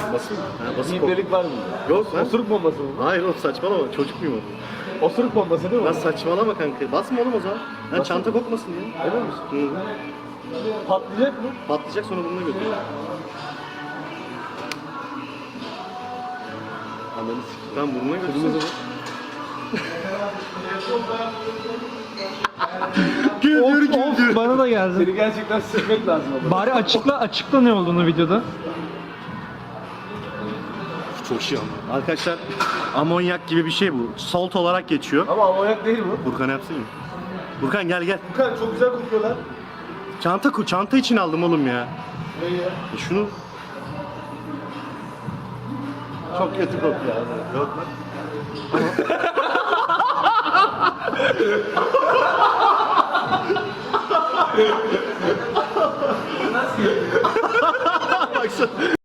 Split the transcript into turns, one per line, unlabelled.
Basayım mı? Ha, basıp
İbnelik var mı?
Yok lan.
Osuruk bombası mı?
Hayır oğlum saçmalama. Çocuk muyum oğlum?
Osuruk bombası değil mi?
Lan saçmalama kanka. Basma oğlum o zaman. Lan çanta kokmasın diye.
Emin misin?
Hı.
Patlayacak mı?
Patlayacak sonra burnuna götür.
Ananı sikeyim.
Tamam burnuna götür.
Kırmızı mı?
Of bana da geldi.
Seni gerçekten silmek lazım ama.
Bari açıkla ne olduğunu videoda.
Çok şey ama. Arkadaşlar amonyak gibi bir şey bu. Salt olarak geçiyor.
Ama amonyak değil bu.
Burkan yapsın mı? Burkan gel gel.
Furkan çok güzel kokuyor lan.
Çanta için aldım oğlum ya.
Ne ya?
Şunu
Çok kötü kokuyor abi.
yok lan. Baksana.